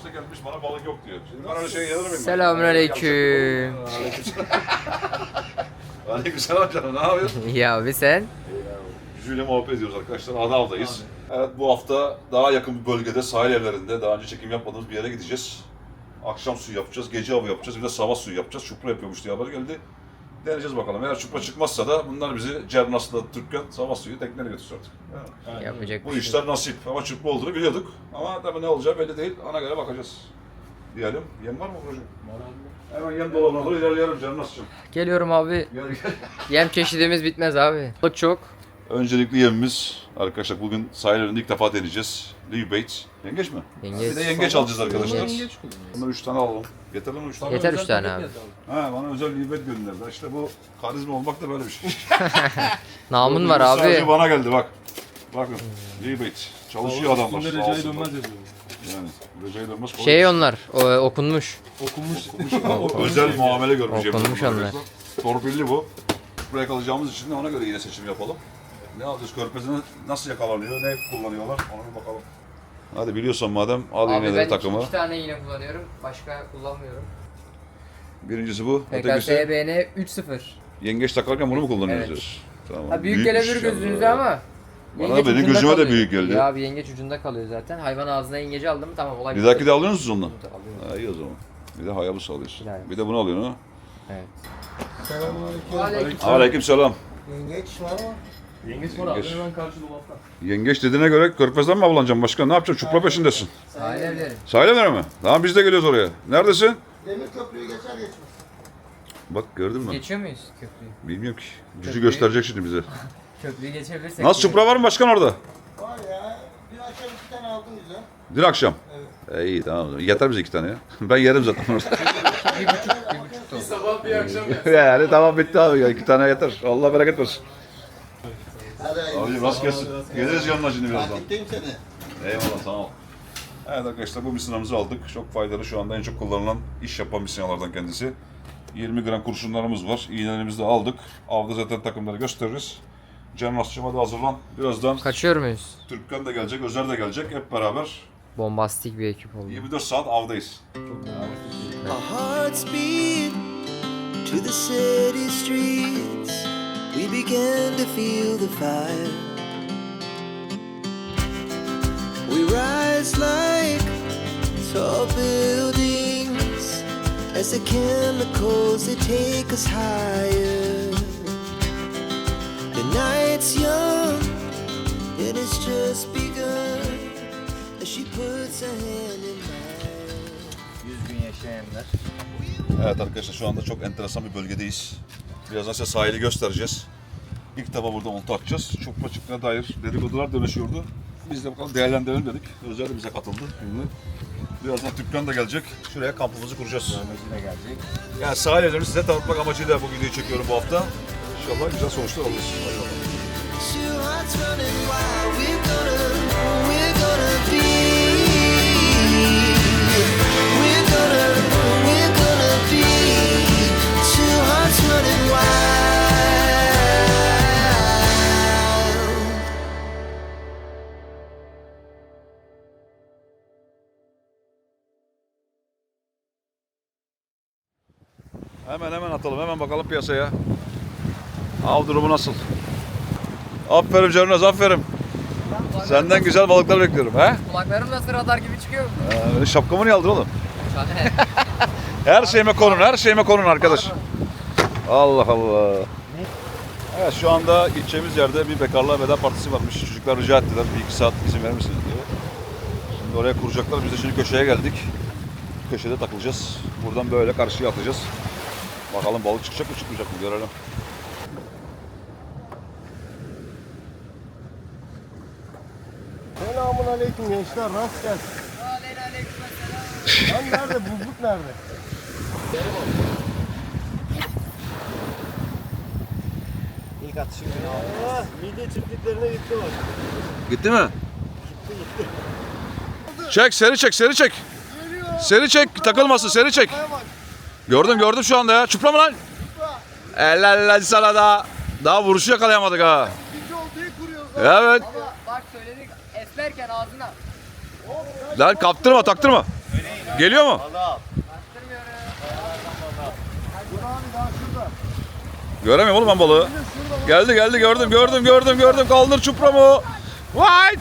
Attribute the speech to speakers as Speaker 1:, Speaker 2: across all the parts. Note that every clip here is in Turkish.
Speaker 1: Yoksa gelmiş bana balık yok diyor. Şimdi ben öyle şey yazarım.
Speaker 2: Selamünaleyküm.
Speaker 1: Aleykümselam canım, ne yapıyorsun?
Speaker 2: Ya abi sen?
Speaker 1: Yüzüyle muhabbet ediyoruz arkadaşlar. Adav'dayız. Evet, bu hafta daha yakın bir bölgede, sahil evlerinde daha önce çekim yapmadığımız bir yere gideceğiz. Akşam suyu yapacağız, gece avı yapacağız, bir de sabah suyu yapacağız. Çupra yapıyormuş diye haber geldi. Deneyeceğiz bakalım. Eğer çupra çıkmazsa da bunlar bizi Cernas'la Türkmen sabah suyu tekneyle götürsün artık. Evet.
Speaker 2: Yapacak
Speaker 1: Bu
Speaker 2: bir şey
Speaker 1: işler nasip. Ama çupra olduğunu biliyorduk. Ama tabii ne olacağı belli değil. Ona göre bakacağız. Diyelim. Yem var mı hocam? Hemen yem dolabına doğru ilerleyelim Cernas'cığım.
Speaker 2: Geliyorum abi.
Speaker 1: Gel gel.
Speaker 2: Yem çeşidimiz bitmez abi. Balık çok.
Speaker 1: Öncelikli yemimiz arkadaşlar, bugün sahillerinde ilk defa deneyeceğiz. Live bait. Yengeç mi?
Speaker 2: Yengeç.
Speaker 1: Bir de yengeç alacağız arkadaşlar.
Speaker 2: Yengeç.
Speaker 1: Bunları 3 tane alalım. Yeterli mi 3 tane?
Speaker 2: Yeter 3 tane abi.
Speaker 1: Ha, bana özel live bait gönderdiler. İşte bu karizma olmak da böyle bir şey.
Speaker 2: Namın var
Speaker 1: Sadece
Speaker 2: abi.
Speaker 1: bana geldi bak. Bakın live bait. Çalışıyor adamlar.
Speaker 3: Üstünde
Speaker 1: Sağ
Speaker 3: Recai
Speaker 1: olsunlar.
Speaker 3: Dönmez yazıyor.
Speaker 1: Yani Recai Dönmez.
Speaker 2: Şey onlar, okunmuş.
Speaker 3: Okunmuş.
Speaker 1: Özel muamele görmüş.
Speaker 2: Okunmuş
Speaker 1: yemin
Speaker 2: onlar.
Speaker 1: ederim. Torpilli bu. Buraya kalacağımız için de ona göre yine seçim yapalım. Ne alacağız? Körpezine nasıl yakalanıyor, ne kullanıyorlar ona bir bakalım. Hadi biliyorsan madem al
Speaker 2: Abi
Speaker 1: iğneleri
Speaker 2: ben
Speaker 1: takımı.
Speaker 2: 2 tane iğne kullanıyorum. Başka kullanmıyorum.
Speaker 1: Birincisi bu.
Speaker 2: PKS
Speaker 1: Ötekisi
Speaker 2: BN 3.0.
Speaker 1: yengeç takarken bunu mu kullanıyoruz?
Speaker 2: Evet.
Speaker 1: diyoruz? Tamam.
Speaker 2: Ha, büyük gelebilir
Speaker 1: Büyükmüş
Speaker 2: gözünüze
Speaker 1: ya.
Speaker 2: ama.
Speaker 1: Bana
Speaker 2: yengeç
Speaker 1: benim
Speaker 2: ucunda
Speaker 1: gözüme de
Speaker 2: kalıyor.
Speaker 1: büyük geldi.
Speaker 2: Ya abi yengeç ucunda kalıyor zaten. Hayvan ağzına yengeci aldım tamam olay
Speaker 1: Bir
Speaker 2: bitti.
Speaker 1: dahaki de alıyor musunuz ondan?
Speaker 2: Alıyorum.
Speaker 1: Ha, iyi o zaman. Bir de Hayabusa alıyorsun.
Speaker 2: Yani.
Speaker 1: Bir de bunu alıyorsun ha.
Speaker 2: Evet.
Speaker 3: Selamünaleyküm.
Speaker 1: Aleykümselam.
Speaker 4: Yengeç var mı?
Speaker 3: Yengeç var abi
Speaker 1: Yengeç.
Speaker 3: hemen karşı dolapta.
Speaker 1: Yengeç dediğine göre körpezden mi avlanacaksın başka? Ne yapacaksın? Çupra peşindesin.
Speaker 2: Sahil evleri.
Speaker 1: Sahil evleri mi? Tamam biz de geliyoruz oraya. Neredesin?
Speaker 4: Demir köprüyü geçer geçmez.
Speaker 1: Bak gördün mü?
Speaker 2: Geçiyor muyuz köprüyü?
Speaker 1: Bilmiyorum ki. Gücü
Speaker 2: Köprüyü-
Speaker 1: gösterecek şimdi bize.
Speaker 2: Köprüyü geçebilirsek.
Speaker 1: Nasıl çupra var mı başkan orada?
Speaker 4: Var ya. Bir akşam 2 tane aldım güzel.
Speaker 1: Dün akşam.
Speaker 4: Evet.
Speaker 1: İyi tamam. Yeter bize 2 tane ya. Ben yerim zaten orada.
Speaker 2: 1,5 ton.
Speaker 3: Sabah bir akşam ya.
Speaker 1: Yani tamam bitti abi ya. 2 tane yeter. Allah bereket versin.
Speaker 4: Hadi
Speaker 1: Abi rast gelsin. Geliriz yanına şimdi birazdan.
Speaker 4: takipteyim seni.
Speaker 1: Eyvallah sağ ol. Evet arkadaşlar bu misinamızı aldık. Çok faydalı, şu anda en çok kullanılan iş yapan misinalardan kendisi. 20 gram kurşunlarımız var. İğnelerimizi de aldık. Avda zaten takımları gösteririz. Cem Rasçıma da hazırlan. Birazdan
Speaker 2: Kaçıyor muyuz?
Speaker 1: Türkkan da gelecek, Özer de gelecek. Hep beraber
Speaker 2: Bombastik bir ekip oldu.
Speaker 1: 24 saat avdayız.
Speaker 5: Our hearts beat to the city streets. We began to feel the fire. We rise like tall buildings as the chemicals they take us higher. The night's young and it's just begun as she puts her hand in mine.
Speaker 2: 100 gün yaşayanlar.
Speaker 1: Evet arkadaşlar şu anda çok enteresan bir bölgedeyiz. Birazdan size sahili göstereceğiz. İlk defa burada olta atacağız. Çupra çıktığına dair dedikodular dönüşüyordu. Biz de bakalım değerlendirelim dedik. Özel de bize katıldı. Şimdi birazdan Türkkan da gelecek. Şuraya kampımızı kuracağız.
Speaker 2: Yine gelecek.
Speaker 1: Yani sahil evlerini size tanıtmak amacıyla bu videoyu çekiyorum bu hafta. İnşallah güzel sonuçlar alırız. Hadi bakalım.
Speaker 5: Two hearts running wild. We're gonna be. We're gonna be. Two hearts running wild.
Speaker 1: Hemen atalım. Hemen bakalım piyasaya. Av durumu nasıl? Aferin Cernaz, aferin. Senden güzel balıklar bekliyorum. He?
Speaker 2: Kulaklarım nasıl radar gibi çıkıyor mu?
Speaker 1: Şapkamı niye aldın oğlum? Her şeyime konun arkadaş. Allah Allah. Evet şu anda gideceğimiz yerde bir bekarlığa veda partisi varmış. Çocuklar rica ettiler 1-2 saat izin verir misiniz diye. Şimdi oraya kuracaklar. Biz de şimdi köşeye geldik. Köşede takılacağız. Buradan böyle karşıya atacağız. Bakalım balık çıkacak mı çıkmayacak mı görelim.
Speaker 4: Selamun aleyküm gençler. Rast gelsin. Lan nerede? Buzluk nerede? İlk atışı günü aldı. Midye çiftliklerine gitti bak.
Speaker 1: Gitti mi? Çek, seri çek. Seri çek, takılmasın, seri çek. Gördüm şu anda ya. Çupra mı lan? Helal sana da. Daha vuruşu yakalayamadık ha.
Speaker 4: İkinci oltayı kuruyoruz.
Speaker 1: Evet.
Speaker 2: Bak söyledik esmerken ağzına.
Speaker 1: Lan kaptırma, taktırma. Geliyor mu? Göremiyorum oğlum ben balığı. Geldi gördüm. Kaldır çupramı. Vay!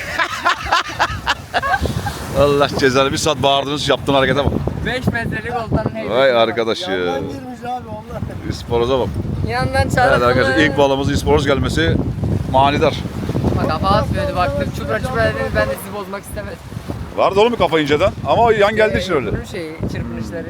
Speaker 1: Allah cezanı, bir saat bağırdınız, yaptığın harekete bak.
Speaker 2: 5 metrelik oltanın heybeti.
Speaker 1: Vay arkadaş ya.
Speaker 4: Yandan girmiş abi onlar.
Speaker 1: İsporoza bak.
Speaker 2: Yandan
Speaker 1: Evet
Speaker 2: çarptı.
Speaker 1: arkadaşlar, ilk balığımız isporoz gelmesi manidar.
Speaker 2: Bak kafa atmıyordu, baktım çupra dedi, ben de sizi bozmak istemedim.
Speaker 1: Vardı oğlum bir kafa inceden ama yan geldiği için öyle.
Speaker 2: Bunun çırpınışları.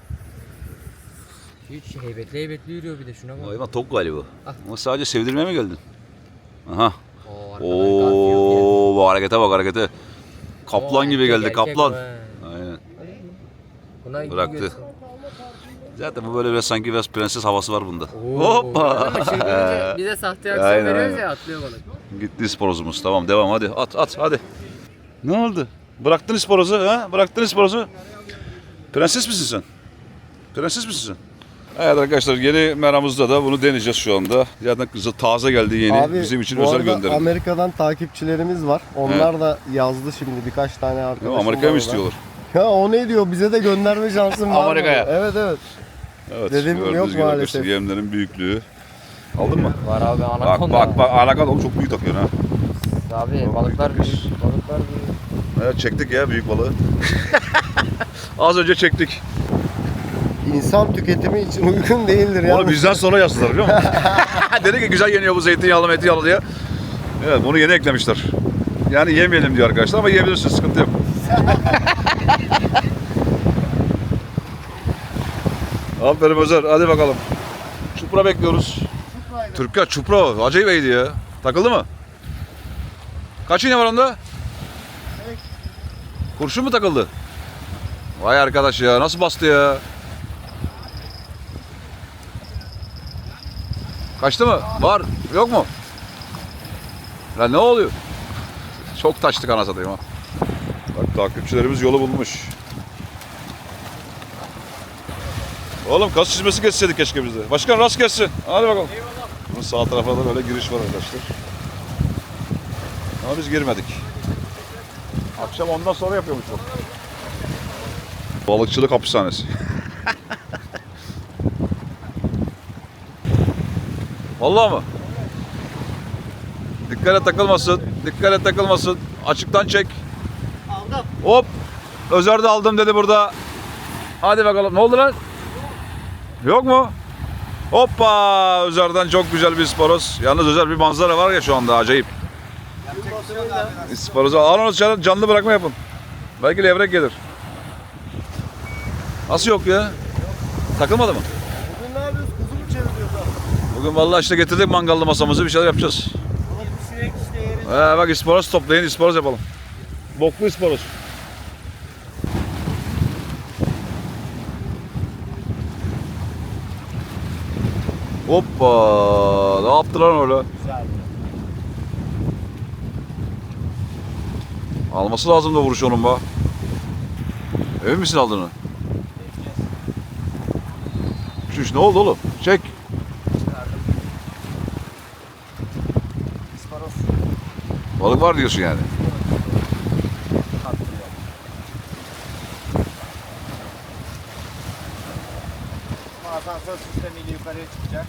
Speaker 2: Hiç heybetli yürüyor bir de, şuna bak.
Speaker 1: Hayvan tok galiba. Ama sadece sevdirmeye mi geldin? Aha.
Speaker 2: Oo, arkadan Garfield
Speaker 1: Oo, bu harekete bak harekete. Kaplan
Speaker 2: Oo,
Speaker 1: gibi geldi,
Speaker 2: erkek
Speaker 1: kaplan.
Speaker 2: bu, he.
Speaker 1: Aynen.
Speaker 2: Buna
Speaker 1: Bıraktı.
Speaker 2: gidiyorsun.
Speaker 1: Zaten bu böyle biraz sanki biraz prenses havası var bunda.
Speaker 2: Oo,
Speaker 1: Hoppa.
Speaker 2: ama çırpınınca bize sahte aksiyon
Speaker 1: Aynen,
Speaker 2: veriyoruz
Speaker 1: aynen.
Speaker 2: ya, atlıyor balık.
Speaker 1: Gitti isporozumuz. Tamam devam hadi. At hadi. Ne oldu? Bıraktın isporozu ha? Bıraktın isporozu. Prenses misin sen? Prenses misin sen? Evet arkadaşlar, yeni meramızda da bunu deneyeceğiz şu anda. Zaten taze geldi yeni.
Speaker 4: Abi,
Speaker 1: Bizim için
Speaker 4: bu
Speaker 1: özel
Speaker 4: arada
Speaker 1: gönderim.
Speaker 4: Amerika'dan takipçilerimiz var. Onlar da yazdı şimdi birkaç tane arkadaşım
Speaker 1: Amerika'ya mı
Speaker 4: var
Speaker 1: istiyorlar?
Speaker 4: orada. Ya o ne diyor? Bize de gönderme şansın var mı?
Speaker 1: Amerika'ya.
Speaker 4: Evet.
Speaker 1: Evet.
Speaker 4: Dedim,
Speaker 1: gördüğünüz
Speaker 4: yok
Speaker 1: gibi arkadaşlar,
Speaker 4: maalesef.
Speaker 1: yemlerin büyüklüğü. Aldın mı?
Speaker 2: Var abi, anakonda.
Speaker 1: Bak anakonda oğlum, çok büyük takıyorsun ha.
Speaker 2: Abi balıklar büyük. Balıklar büyük.
Speaker 1: Evet, çektik ya büyük balığı. Az önce çektik.
Speaker 4: İnsan tüketimi için uygun değildir ya.
Speaker 1: Onu bizden sonra yazdılar biliyor musun? Dedi ki güzel yeniyor bu zeytinyağlı metiyağlı diye. Evet, bunu yeni eklemişler. Yani yemeyelim diyor arkadaşlar ama yiyebilirsiniz, sıkıntı yok. Aferin Özer, hadi bakalım. Çupra bekliyoruz. Türkler çupra acayip iyiydi ya. Takıldı mı? Kaç iğne var onda? Kurşun mu takıldı? Vay arkadaş ya, nasıl bastı ya? Kaçtı mı? Var. Yok mu? Lan ne oluyor? Çok taştık ana satayım ha. Bak takipçilerimiz yolu bulmuş. Oğlum kas çizmesi geçseydik keşke bizde. Başkan rast geçsin. Hadi bakalım. Bunun sağ tarafa da böyle giriş var arkadaşlar. Ama biz girmedik. Akşam ondan sonra yapıyormuş bu. Balıkçılık hapishanesi. Vallahi mı? Dikkat et takılmasın. Açıktan çek.
Speaker 4: Aldım.
Speaker 1: Hop. Özer de aldım dedi burada. Hadi bakalım. Ne oldu lan? Yok mu? Hoppa. Özer'den çok güzel bir isporoz. Yalnız Özer, bir manzara var ya şu anda acayip. İsporozu al, onu canlı bırakma yapın. Belki levrek gelir. Nasıl yok ya? Takılmadı mı?
Speaker 4: Bugün ne yapıyoruz? Kuzu mu çeviriyoruz abi?
Speaker 1: Bugün vallahi işte getirdik mangallı masamızı, bir şeyler yapacağız.
Speaker 4: Balık pişirek işte yeriz.
Speaker 1: Bak isporoz toplayın, isporoz yapalım. Boklu isporoz. Hoppa! Ne yaptılar öyle?
Speaker 4: Güzel.
Speaker 1: Alması lazım da vuruş onun be. Emin misin aldığını? Şuş, ne oldu oğlum? Çek.
Speaker 4: İsparos.
Speaker 1: Balık var diyorsun yani.
Speaker 4: Asansör sistemiyle yukarıya çıkacak.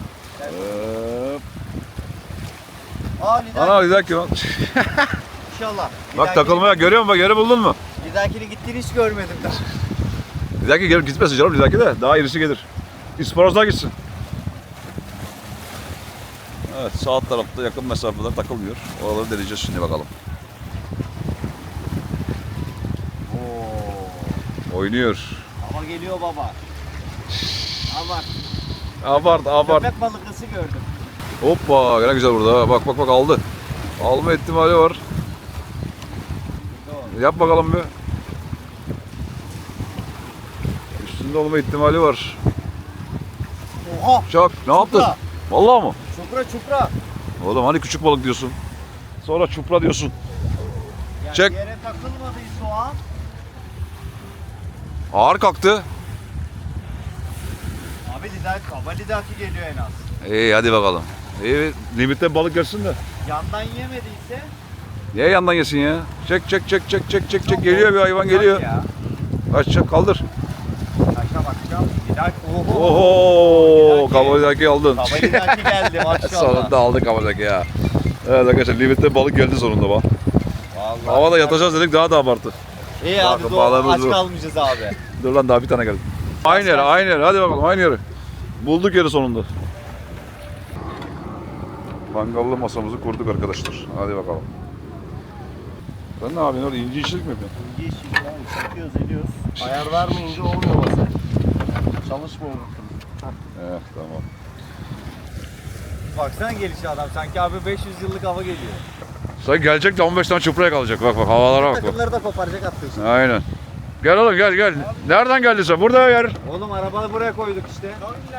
Speaker 1: Ana bir dakika lan.
Speaker 4: İnşallah.
Speaker 1: Bak takılmaya, görüyor musun bak, yeri buldun mu?
Speaker 4: Bir dahakini gittiğini hiç görmedim daha.
Speaker 1: Bir dahaki gelip gitmesin canım, bir dahaki de daha irisi gelir. İsporozlar gitsin. Evet, sağ tarafta yakın mesafeler takılmıyor. Oraları deneyeceğiz şimdi bakalım. Oynuyor.
Speaker 4: Ama geliyor baba.
Speaker 1: Abart.
Speaker 4: Köpek balıklısı gördüm.
Speaker 1: Hoppa, ne güzel burada. Ha. Bak aldı. Alma ihtimali var. Yap bakalım bir. Üstünde olma ihtimali var.
Speaker 4: Oha!
Speaker 1: Çak, ne yaptın? Vallahi mı?
Speaker 4: Çupra.
Speaker 1: Oğlum hani küçük balık diyorsun. Sonra çupra diyorsun.
Speaker 4: Yani
Speaker 1: Çek.
Speaker 4: yere takılmadıysa o an.
Speaker 1: Ağır kalktı.
Speaker 4: Abi lidaki geliyor en az.
Speaker 1: İyi hadi bakalım. İyi, limitte balık gelsin de.
Speaker 4: Yandan yemediyse.
Speaker 1: Niye yandan yesin ya? Çek. Geliyor bir hayvan, geliyor.
Speaker 4: Ya.
Speaker 1: Aç kaldır.
Speaker 4: Aşağı bakacağım. Bir dakika.
Speaker 1: Oho! Kabalıdaki aldın.
Speaker 4: Kabalidaki geldi maşallah.
Speaker 1: Sonunda aldık kabalıdaki ya. Evet arkadaşlar limette balık geldi sonunda bak.
Speaker 4: Vallahi.
Speaker 1: Havada yatacağız dedik daha da abarttı.
Speaker 4: İyi abi
Speaker 1: Bakın,
Speaker 4: doğru.
Speaker 1: bağlamamız
Speaker 4: Aç
Speaker 1: bu.
Speaker 4: kalmayacağız abi.
Speaker 1: Dur lan daha bir tane geldi. Aynı yere aynı yere hadi bakalım aynı yere. Bulduk yeri sonunda. Mangallı masamızı kurduk arkadaşlar. Hadi bakalım. Sen ne yapıyorsun orada inci işçilik mi yapıyorsun?
Speaker 4: İyi işi ya. Çekiyoruz ediyoruz. Ayar vermeyince olmuyor masa. Çalışmıyor.
Speaker 1: Evet tamam.
Speaker 4: Baksana gelişi adam. Sanki abi 500 yıllık hava geliyor.
Speaker 1: Sen gelecek de 15 tane çupraya kalacak. Bak bak havalara bak bak.
Speaker 4: Takımları da koparacak attı işte.
Speaker 1: Aynen. Gel oğlum gel gel. Nereden geldin sen? Burada yer.
Speaker 4: Oğlum arabayı buraya koyduk işte.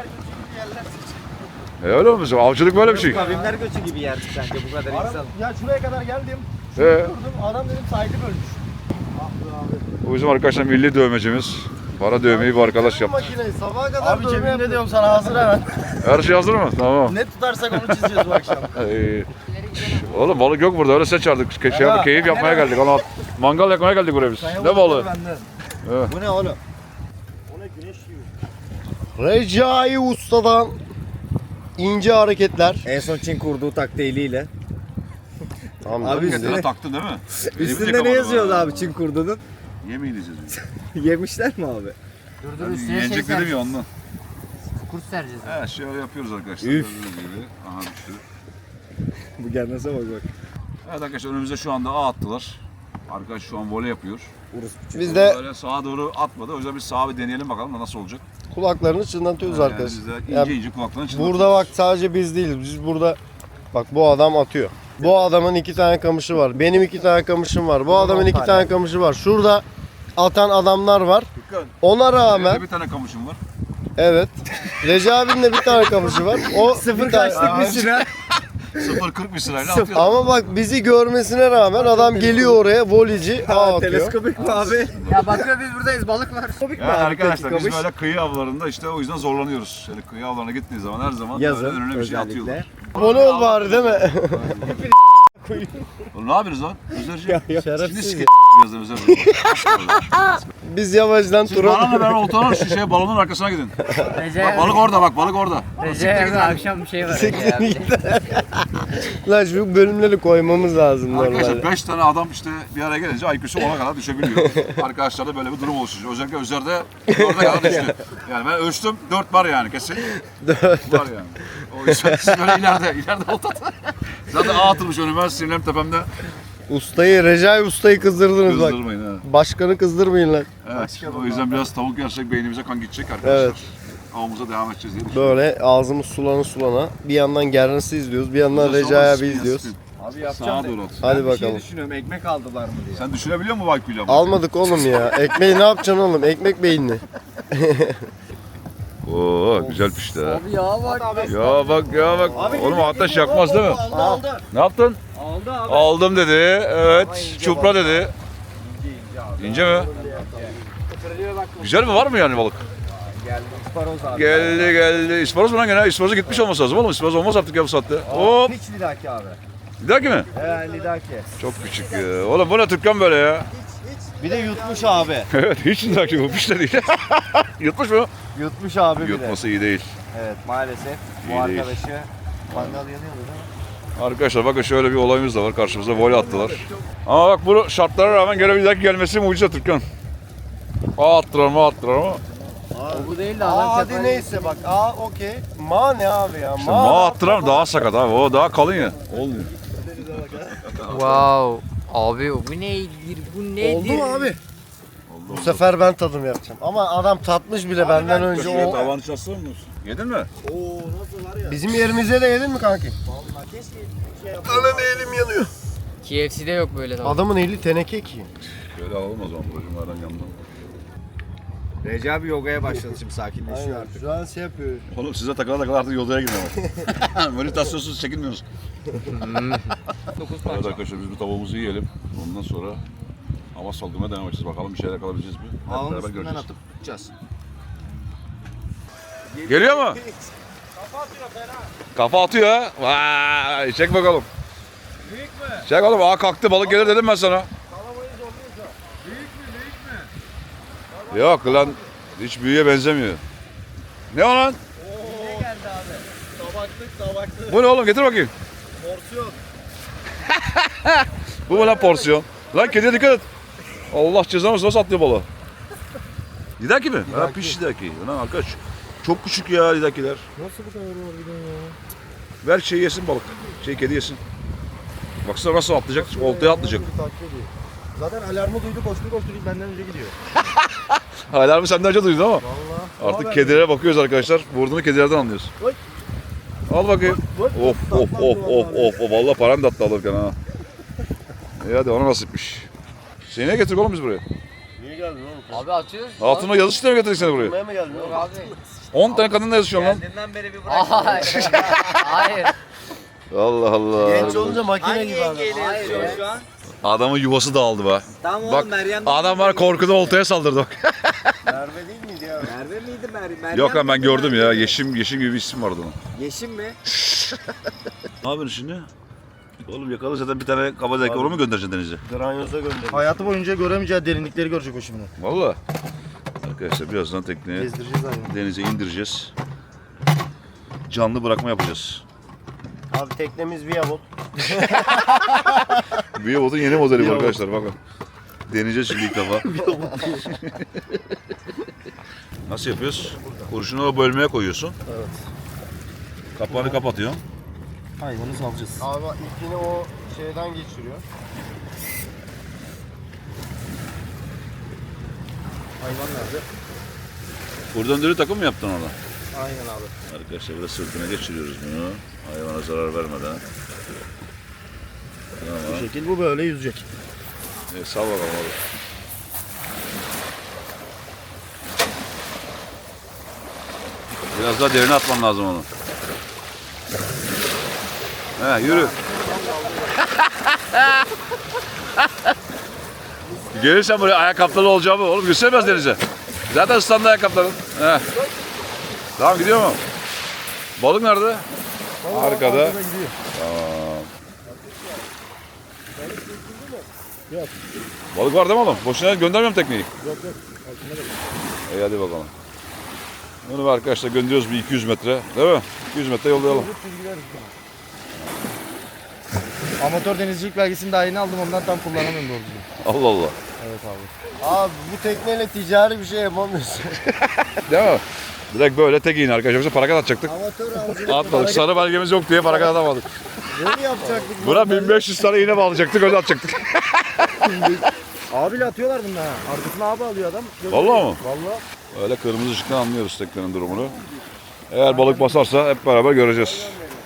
Speaker 1: Öyle mi? Avcılık böyle bir şey.
Speaker 4: Kavimler göçü gibi yerdi sence bu kadar insan.
Speaker 6: Ya şuraya kadar geldim.
Speaker 1: Ee,
Speaker 6: Durdum adam dedim sahili bölmüş.
Speaker 1: bu bizim arkadaşlar milli dövmecimiz. Para dövmeyi bu arkadaş yaptı.
Speaker 6: Makineyi sabaha kadar abi cebimde diyorum sana hazır hemen.
Speaker 1: Her şey hazır mı? Tamam.
Speaker 6: Ne tutarsak onu çizeceğiz bu akşam.
Speaker 1: Oğlum balık yok burada öyle sen çağırdık. Keyif yapmaya geldik. Ama mangal yakmaya geldik buraya biz. Ne balığı?
Speaker 4: Bu ne oğlum?
Speaker 6: Recai Usta'dan ince hareketler.
Speaker 4: En son Çin kurduğu taktiğiyle.
Speaker 6: Tamam
Speaker 4: Abi
Speaker 1: Kendine taktın değil mi?
Speaker 4: Üstünde ne yazıyordu abi Çin kurduğunun?
Speaker 1: Yemeği diyeceğiz.
Speaker 4: Yemişler mi abi?
Speaker 2: Dur dur üstüne şey
Speaker 1: Yenecek dedim
Speaker 2: sereceğiz.
Speaker 1: ya ondan.
Speaker 2: Kurt sereceğiz.
Speaker 1: Evet şöyle yapıyoruz arkadaşlar.
Speaker 4: Üf.
Speaker 1: Gördüğünüz gibi. Aha düştü.
Speaker 4: Bu gelmese bak bak.
Speaker 1: Evet arkadaşlar önümüze şu anda ağ attılar. Arkadaş şu an voley yapıyor.
Speaker 6: Biz de
Speaker 1: Böyle sağa doğru atmadı. O yüzden biz sağa bir deneyelim bakalım da nasıl olacak.
Speaker 6: kulaklarını çınlatıyoruz
Speaker 1: Yani
Speaker 6: arkadaşlar.
Speaker 1: biz de ince
Speaker 6: Ya
Speaker 1: ince kulaklarını çınlatıyoruz.
Speaker 6: burada bak sadece biz değiliz. Biz burada bak bu adam atıyor. Bu adamın 2 tane kamışı var. Benim 2 tane kamışım var. Bu adamın 2 tane kamışı var. Şurada atan adamlar var. Ona rağmen
Speaker 1: Benim bir tane kamışım var.
Speaker 6: evet. Recep abinin de bir tane kamışı var. O
Speaker 4: Sıfır
Speaker 6: bir tane-
Speaker 4: kaçlık bir sıra.
Speaker 1: 0.40 bir sırayla atıyor.
Speaker 6: Ama bak bizi görmesine rağmen adam geliyor oraya voleyci ağ atıyor.
Speaker 4: Teleskopik mi abi?
Speaker 2: Ya bakıyor biz buradayız balık var.
Speaker 4: Teleskopik mi
Speaker 1: Ya
Speaker 4: abi?
Speaker 1: arkadaşlar biz
Speaker 4: Kamış.
Speaker 1: böyle kıyı avlarında işte o yüzden zorlanıyoruz. Şöyle kıyı avlarına gittiği zaman her zaman böyle
Speaker 4: Yazın
Speaker 1: önüne bir şey
Speaker 4: özellikle.
Speaker 1: atıyorlar.
Speaker 6: Abone ol bari değil mi?
Speaker 1: Oğlum ne yapıyorsunuz lan? Özerci. Şimdi
Speaker 6: Şerefsiz.
Speaker 1: sike birazdan Özerci.
Speaker 6: Biz yavaştan
Speaker 1: Siz
Speaker 6: tura...
Speaker 1: bana da ben oltanın şu şey balonun arkasına gidin. Bak
Speaker 2: Recep
Speaker 1: balık orada bak balık orada.
Speaker 2: Recep akşam bir şey var. Recep abi.
Speaker 6: Lan şu bölümleri koymamız lazım
Speaker 1: Arkadaşlar
Speaker 6: normalde.
Speaker 1: 5 tane adam işte bir araya gelince IQ'su 10'a kadar düşebiliyor. Arkadaşlarda böyle bir durum oluşuyor. Özellikle Özer'de 4'e kadar düştü. Yani ben ölçtüm 4 var yani kesin. 4 var yani. O yüzden siz böyle ileride oltat. Zaten ağ atılmış önüme sinirlerim tepemde.
Speaker 6: Recai Usta'yı kızdırdınız bak.
Speaker 1: Kızdırmayın ha.
Speaker 6: Başkanı kızdırmayın lan.
Speaker 1: Evet, o yüzden biraz tavuk yersek beynimize kan gidecek arkadaşlar.
Speaker 6: Evet.
Speaker 1: Avımıza devam edeceğiz diye düşünüyorum.
Speaker 6: Böyle ağzımız sulana. Bir yandan Gernes'i izliyoruz, bir yandan Recai abi izliyoruz.
Speaker 4: Abi yapacağım.
Speaker 1: Sağa doğru at.
Speaker 6: Hadi
Speaker 4: Bir şey
Speaker 6: bakalım.
Speaker 4: düşünüyorum ekmek aldılar mı diye.
Speaker 1: Sen düşünebiliyor musun Vaykuyla?
Speaker 6: Almadık oğlum ya. Ekmeği ne yapacaksın oğlum? Ekmek beyinli.
Speaker 1: Oo güzel pişti ha.
Speaker 2: Abi ya bak.
Speaker 1: Ya bak. Oğlum ateş yakmaz değil mi?
Speaker 4: Aldı.
Speaker 1: Ne yaptın?
Speaker 4: Aldı abi.
Speaker 1: Aldım dedi. Evet. Çupra dedi. İnce mi? Güzel mi? Var mı yani balık?
Speaker 4: Geldi. İsparoz abi.
Speaker 1: Geldi. İsparoz mu lan gene? İsparoz'a gitmiş olması lazım oğlum. İsparoz olmaz artık ya bu saatte. Hop.
Speaker 4: Hiç lidaki abi.
Speaker 1: Bir dahaki mi?
Speaker 4: Lidaki.
Speaker 1: Çok küçük ya. Oğlum bu ne Türkkan böyle ya?
Speaker 4: Bir de yutmuş abi.
Speaker 1: Evet hiç bir dahaki bu piş de değil. Yutmuş mu?
Speaker 4: Yutmuş abi bir de.
Speaker 1: Yutması iyi değil.
Speaker 4: Evet maalesef.
Speaker 1: İyi
Speaker 4: Bu
Speaker 1: değil.
Speaker 4: arkadaşı mangal yanıyordu değil mi?
Speaker 1: Arkadaşlar bakın şöyle bir olayımız da var. Karşımıza voley attılar. Ama bak bu şartlara rağmen gene bir dahaki gelmesi mucize Türkkan. Attılar ama.
Speaker 2: Bu değil de adam
Speaker 6: Hadi
Speaker 2: tepe-
Speaker 6: neyse bak. Okey. Ma ne abi ya?
Speaker 1: İşte ma attılar ama daha sakat abi. O daha kalın ya. Olmuyor.
Speaker 2: Wow. Abi bu nedir? Bu nedir?
Speaker 6: Oldu mu abi? Bu sefer ben tadım yapacağım. Ama adam tatmış bile benden önce o.
Speaker 1: Tavanı çatsın mı? Yedin mi?
Speaker 6: Bizim yerimize de yedin mi kanki? Anam elim yanıyor.
Speaker 2: KFC'de yok böyle tamam.
Speaker 6: Adamın eli teneke ki.
Speaker 1: Şöyle alalım o zaman buracımlardan yanından.
Speaker 4: Recep abi yogaya başladı şimdi sakinleşiyor artık.
Speaker 6: Şu an şey yapıyor.
Speaker 1: Oğlum size takıla artık yolaya gidin ama. Meditasyonsuz çekinmiyoruz. Evet arkadaşlar biz bu tavuğumuzu yiyelim. Ondan sonra hava salgımaya devam edeceğiz. Bakalım bir şeyler yakalabileceğiz mi? Hep
Speaker 4: Ağın
Speaker 1: beraber
Speaker 4: üstünden
Speaker 1: göreceğiz.
Speaker 4: atıp tutacağız.
Speaker 1: Geliyor mu? Kafa atıyor ha. Vay, çek bakalım. Büyük mü? Çek oğlum. Aa kalktı balık gelir dedim ben sana. Yok lan hiç büyüye benzemiyor. Ne o lan?
Speaker 4: Tabaklık.
Speaker 1: Bu ne oğlum getir bakayım.
Speaker 4: Porsiyon.
Speaker 1: Bu mu lan porsiyon? Lan kediye dikkat et. Allah cezanı nasıl atlıyor balığı? Lidaki mi? Ha piş lidaki. Lan arkadaş çok küçük ya lidakiler.
Speaker 4: Nasıl bu kadar var bir de ya?
Speaker 1: Ver şey yesin balık. Kedi yesin. Baksana nasıl atlayacak? Oltaya atlayacak.
Speaker 4: Zaten alarmı duydu koştu benden önce gidiyor.
Speaker 1: Alarmı senden önce duydun ama.
Speaker 4: Vallahi.
Speaker 1: Artık kedilere bakıyoruz arkadaşlar. Vurduğunu kedilerden anlıyoruz.
Speaker 4: Oy.
Speaker 1: Al bakayım. Of. Vallahi paran da attı alırken ha. İyi hadi ona nasipmiş. Seni ne getirdik oğlum biz buraya?
Speaker 4: Niye geldin oğlum?
Speaker 2: Abi açıyoruz.
Speaker 1: Altına yazı sistemi getirdik seni buraya.
Speaker 4: Kurmaya mı geldin
Speaker 2: Yok
Speaker 4: oğlum?
Speaker 2: abi.
Speaker 1: 10 tane kadınla yazışıyorsun lan.
Speaker 2: Geldiğinden beri bir bırak. Hayır.
Speaker 1: Allah Allah.
Speaker 4: Genç olunca makine gibi abi.
Speaker 2: Hayır ya. Şu an.
Speaker 1: Adamın yuvası dağıldı be.
Speaker 2: Tamam
Speaker 1: Bak
Speaker 2: oğlum Meryem.
Speaker 1: adam var korkudan oltaya saldırdı bak.
Speaker 4: Merve değil miydi ya?
Speaker 2: Merve miydi Meryem?
Speaker 1: Yok lan ben gördüm ya. Yeşim gibi bir isim vardı onun.
Speaker 2: Yeşim mi?
Speaker 1: Ne yapıyorsun şimdi? Oğlum yakalı zaten bir tane kabadayı onu mu göndereceksin denize?
Speaker 4: Granyoza gönderdim.
Speaker 3: Hayatı boyunca göremeyeceği derinlikleri görecek o şimdi.
Speaker 1: Valla. Arkadaşlar birazdan tekneye
Speaker 3: Gezdireceğiz hayvanı.
Speaker 1: denize indireceğiz. Canlı bırakma yapacağız.
Speaker 4: Abi teknemiz Viyabot.
Speaker 1: Viyabot'un yeni modeli bu arkadaşlar bakın. Deneyeceğiz şimdi ilk defa. Nasıl yapıyoruz? Kurşunu o bölmeye koyuyorsun.
Speaker 3: Evet.
Speaker 1: Kapağını kapatıyorsun.
Speaker 3: Hayvanı salacağız.
Speaker 6: Abi ilkini o şeyden geçiriyor.
Speaker 3: Hayvan nerede?
Speaker 1: Buradan dönü takım mı yaptın ona?
Speaker 3: Aynen abi.
Speaker 1: Arkadaşlar burada sırtına geçiriyoruz bunu. Hayvana zarar vermeden.
Speaker 3: Bu
Speaker 1: Tamam.
Speaker 3: şekil bu böyle yüzecek.
Speaker 1: Sal bakalım abi. Biraz daha derine atman lazım onu. He yürü. Gelirsen buraya ayakkabılı olacağımı oğlum göstermez denize. Zaten ıslandı ayakkabıların. He. Tamam gidiyor mu? Balık nerede? Arkada. Tamam. Balık var değil mi oğlum? Boşuna göndermiyorum tekneyi.
Speaker 3: Yok.
Speaker 1: İyi hadi bakalım. Bunu bir arkadaşlar gönderiyoruz bir 200 metre. Değil mi? 200 metre yollayalım.
Speaker 3: Amatör denizcilik belgesini daha yeni aldım, ondan tam kullanamıyorum doğru düzgün.
Speaker 1: Allah Allah.
Speaker 3: Evet abi.
Speaker 6: Abi bu tekneyle ticari bir şey yapamıyorsun.
Speaker 1: Değil mi? Direkt böyle tek iğne arkadaşlar. Yoksa parakat atacaktık.
Speaker 6: Amatör avcılık.
Speaker 1: Atmadık. Sarı belgemiz yok diye parakat atamadık.
Speaker 6: Bunu yapacaktık.
Speaker 1: Buna 1500 tane iğne bağlayacaktık. Öyle atacaktık.
Speaker 3: Abiyle atıyorlar bunu ha. Arkasına abi alıyor adam.
Speaker 1: Vallahi mı?
Speaker 3: Vallahi.
Speaker 1: Öyle kırmızı ışıktan anlıyoruz teknenin durumunu. Eğer balık basarsa hep beraber göreceğiz.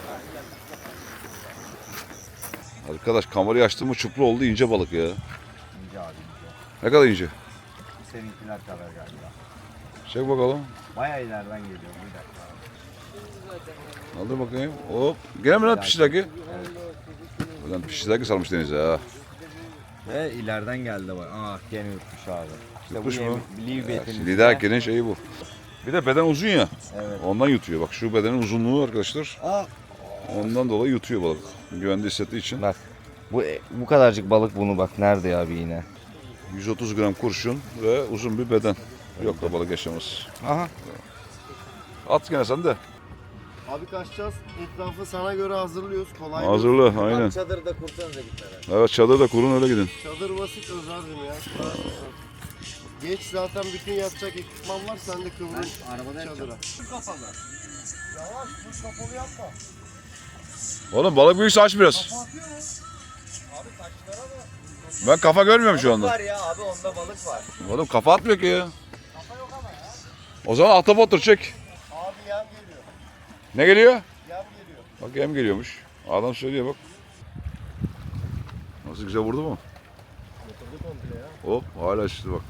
Speaker 1: Arkadaş kamerayı açtığımı çupra oldu ince balık ya.
Speaker 4: İnce abi ince.
Speaker 1: Ne kadar ince?
Speaker 4: Seninkiler kadar galiba.
Speaker 1: Çek bakalım.
Speaker 4: Bayağı ileriden geliyor bir dakika abi.
Speaker 1: Aldır bakayım. Hop. Gene mi lan pişidaki? Ulan pişidaki sarmış denize ha.
Speaker 4: Ve ileriden geldi bak. Ah gene yutmuş abi. İşte
Speaker 1: Yutmuş mu?
Speaker 4: Livebett'in.
Speaker 1: Lidakinin şeyi bu. Bir de beden uzun ya.
Speaker 4: Evet.
Speaker 1: Ondan yutuyor. Bak şu bedenin uzunluğu arkadaşlar.
Speaker 4: Aa.
Speaker 1: Ondan dolayı yutuyor balık. Güvende hissettiği için.
Speaker 4: Bak. Bu kadarcık balık bunu bak nerede ya bir iğne.
Speaker 1: 130 gram kurşun ve uzun bir beden. Yok da balık yaşamaz.
Speaker 4: Aha.
Speaker 1: At gene sen de.
Speaker 6: Abi kaçacağız. Etrafı sana göre hazırlıyoruz. Kolay.
Speaker 1: Hazırla aynen.
Speaker 4: Çadırda kursanıza gitmeden.
Speaker 1: Evet çadırda kurun öyle gidin.
Speaker 6: Çadır basit Özer'cim ya. Geç zaten bütün yatacak ekipman var. Sen de kıvrıl çadıra. Yavaş dur kapalı yapma.
Speaker 1: Oğlum balık büyükse aç biraz. Ben kafa görmüyorum şu anda.
Speaker 2: Var ya abi onda balık var.
Speaker 1: Oğlum kafa atmıyor ki ya. O zaman ahtapottur çek.
Speaker 6: Abi yem geliyor.
Speaker 1: Ne geliyor?
Speaker 6: Yem geliyor.
Speaker 1: Bak yem geliyormuş. Adam söylüyor bak. Nasıl güzel vurdu mu? Hop hala işte bak.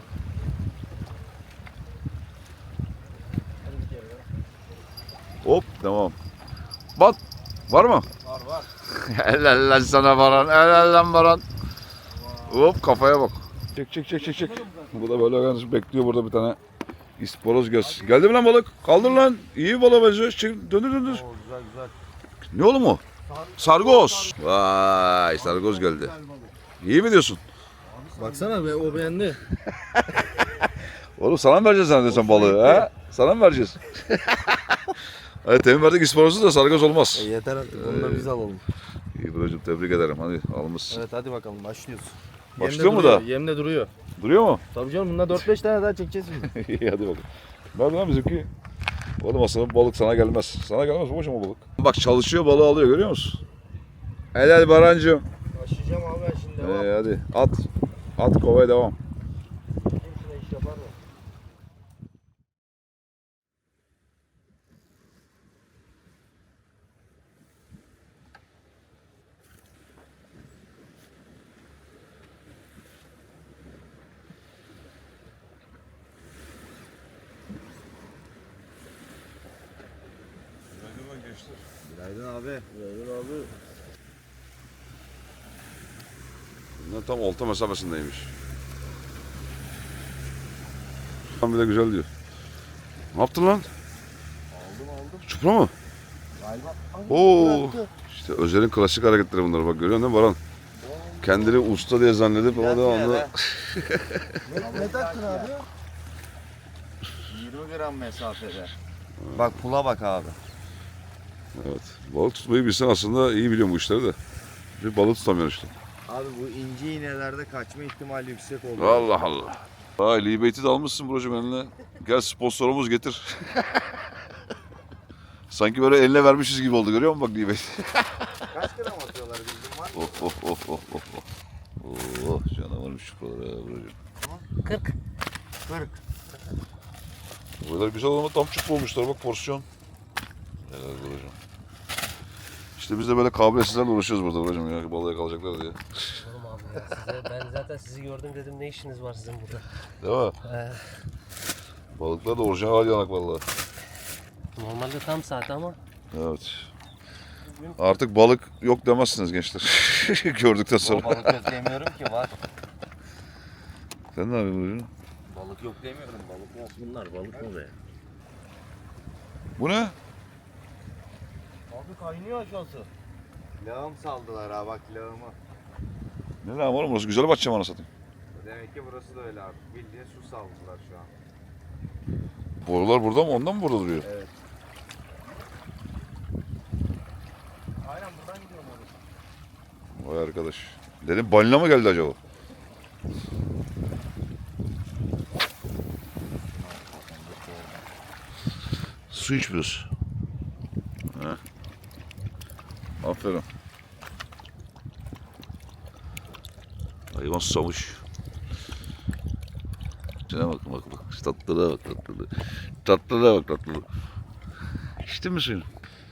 Speaker 1: Hop tamam. Bat. Var mı?
Speaker 6: Var.
Speaker 1: Helal lan sana Baran. Helal lan Baran. Hop kafaya bak. Çek. Bu da böyle bekliyor burada bir tane isporoz göz. Geldi mi lan balık? Kaldır lan. İyi balık benziyor. Döndür.
Speaker 6: Güzel.
Speaker 1: Ne oğlum o? Sargoz. Vay sargoz geldi. İyi mi diyorsun?
Speaker 3: Baksana be, o beğendi.
Speaker 1: Oğlum sana mı vereceğiz zannediyorsun balığı ha? Sana mı vereceğiz? Hadi temin verdik isparozsuz da sargaz olmaz.
Speaker 3: Yeter artık. Onu da biz alalım.
Speaker 1: İyi brocum tebrik ederim. Hadi almışsın.
Speaker 3: Evet hadi bakalım başlıyoruz.
Speaker 1: Başlıyor mu da?
Speaker 3: Yem de duruyor.
Speaker 1: Duruyor mu?
Speaker 3: Tabii canım bundan 4-5 tane daha çekeceğiz şimdi.
Speaker 1: İyi hadi bakalım. Nerede lan bizimki? Oğlum aslında balık sana gelmez. Sana gelmez babacım o balık. Bak çalışıyor balığı alıyor görüyor musun? Helal Barancığım.
Speaker 3: Başlayacağım abi ben şimdi. Devam.
Speaker 1: Hadi at. At kovaya devam.
Speaker 3: Şuna iş yapar mı? Günaydın abi. Günaydın abi.
Speaker 1: Bunlar tam olta mesafesindeymiş. Tam bile güzel diyor. Ne yaptın lan? Aldım. Çupra mı?
Speaker 3: Galiba.
Speaker 1: Oo. İşte Özer'in klasik hareketleri bunlar bak görüyor musun Baran? Kendini usta diye zannedip ama devamlı.
Speaker 3: Ne taktın abi? 20 gram mesafede. Bak pula bak abi.
Speaker 1: Evet. Balık tutmayı bilsen aslında iyi biliyorum bu işleri de. Bir balık tutamıyor işte.
Speaker 3: Abi bu ince iğnelerde kaçma ihtimali yüksek oluyor.
Speaker 1: Allah Allah. Vay Libeyti de almışsın brocum eline. Gel sponsorumuz getir. Sanki böyle eline vermişiz gibi oldu görüyor musun bak Libeyti?
Speaker 3: Kaç gram atıyorlar bildiğin var mı?
Speaker 1: Oh canavarmış şu buralara brocum.
Speaker 2: 40.
Speaker 3: 40.
Speaker 1: Buralar güzel ama tam çup olmuşlar bak porsiyon. Helal brocum. İşte biz de böyle kabiliyetsizlerle uğraşıyoruz burada brocum ya balığa kalacaklar diye.
Speaker 2: Oğlum abi ya ben zaten sizi gördüm dedim ne işiniz var sizin burada?
Speaker 1: Değil mi? Balıklar da orijinal yanak vallahi.
Speaker 2: Normalde tam saat ama.
Speaker 1: Evet. Artık balık yok demezsiniz gençler. Gördükten sonra.
Speaker 3: Balık yok demiyorum ki var.
Speaker 1: Sen ne yapıyorsun brocum?
Speaker 3: Balık yok demiyorum. Balık yok bunlar. Balık mı be?
Speaker 1: Bu ne?
Speaker 3: Abi kaynıyor aşağısı. Lağım saldılar ha bak lağımı.
Speaker 1: Ne lan oğlum burası güzel bahçe bana satayım.
Speaker 3: Demek ki burası da öyle abi. Bildiğin su saldılar şu an.
Speaker 1: Borular burada mı? Ondan mı burada duruyor?
Speaker 3: Evet. Aynen buradan gidiyorum orası.
Speaker 1: Vay arkadaş. Dedim balina mı geldi acaba? Su içmiyoruz. Ha. Aferin. Hayvan susamış. Şuna bak bak bak. Tatlılığa bak tatlılığa. Tatlılığa bak tatlılığa. İçtin mi suyunu?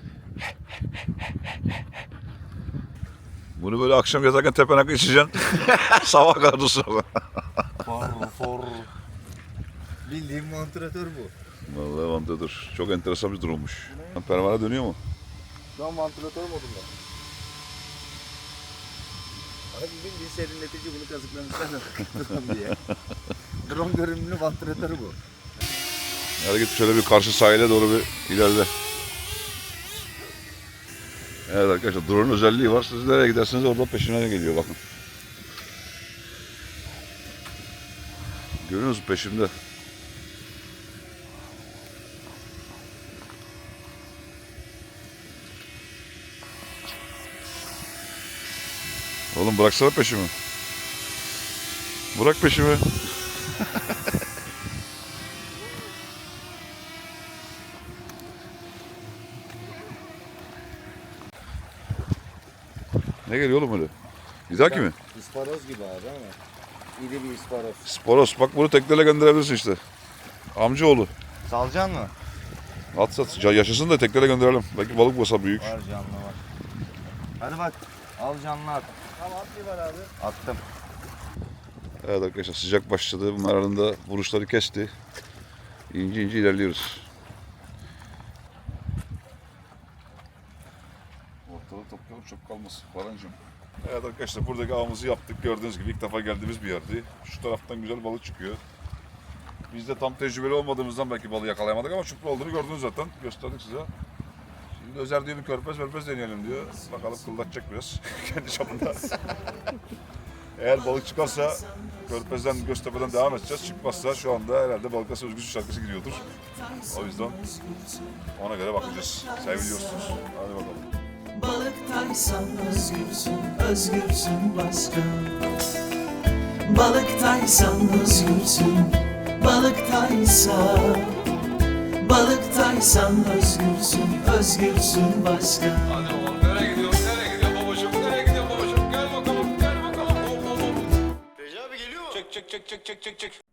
Speaker 1: Bunu böyle akşam yatarken tepenakla içeceksin. Sabah kadar dursun.
Speaker 3: For. Bildiğin vantilatör bu.
Speaker 1: Vallahi vantilatör. Çok enteresan bir durummuş. Pervane dönüyor mu?
Speaker 3: Şu an vantilatör modunda. Abi bildiğin serinletici bunu kazıklamışlar diye. Drone görünümlü vantilatörü bu.
Speaker 1: Hadi git şöyle bir karşı sahile doğru bir ilerle. Evet arkadaşlar drone'un özelliği var. Siz nereye giderseniz orada peşinden geliyor bakın. Görüyor musunuz peşimde? Oğlum bıraksana peşimi. Bırak peşimi. Ne geliyor oğlum öyle? İdaki mi?
Speaker 3: İsparoz gibi abi ama. İri bir isparoz.
Speaker 1: Sporos. Bak bunu tekneyle gönderebilirsin işte. Amcaoğlu.
Speaker 3: Salcan mı?
Speaker 1: At sat. Yaşasın da tekneyle gönderelim. Belki balık basa büyük.
Speaker 3: Var canlı var. Hadi bak. Al canlı at. Tamam at var abi. Attım.
Speaker 1: Evet arkadaşlar sıcak başladı. Bunların da vuruşları kesti. İnce ince ilerliyoruz. Ortalığı toplayalım çok kalmasın. Barancığım. Evet arkadaşlar buradaki avımızı yaptık. Gördüğünüz gibi ilk defa geldiğimiz bir yerdi. Şu taraftan güzel balık çıkıyor. Biz de tam tecrübeli olmadığımızdan belki balığı yakalayamadık ama çupra olduğunu gördünüz zaten. Gösterdik size. Şimdi Özer diyor bir körpez deneyelim diyor. Bakalım kıldatacak biraz kendi çapında. Eğer balık çıkarsa Körfez'den, Göztepe'den devam edeceğiz. Çıkmazsa şu anda herhalde Balıkesir Özgürsün şarkısı gidiyordur. O yüzden ona göre bakacağız. Seviliyorsunuz. Hadi bakalım.
Speaker 7: Balıktaysan özgürsün, özgürsün başka. Balıktaysan özgürsün, balıktaysan. Balıktaysan özgürsün, özgürsün başka.
Speaker 1: Hadi oğlum nereye gidiyor? Nereye gidiyor babacığım? Nereye gidiyor babacığım? Gel bakalım, gel bakalım. Hop hop hop.
Speaker 6: Recep abi geliyor mu?
Speaker 1: Çek çek çek çek çek çek çek.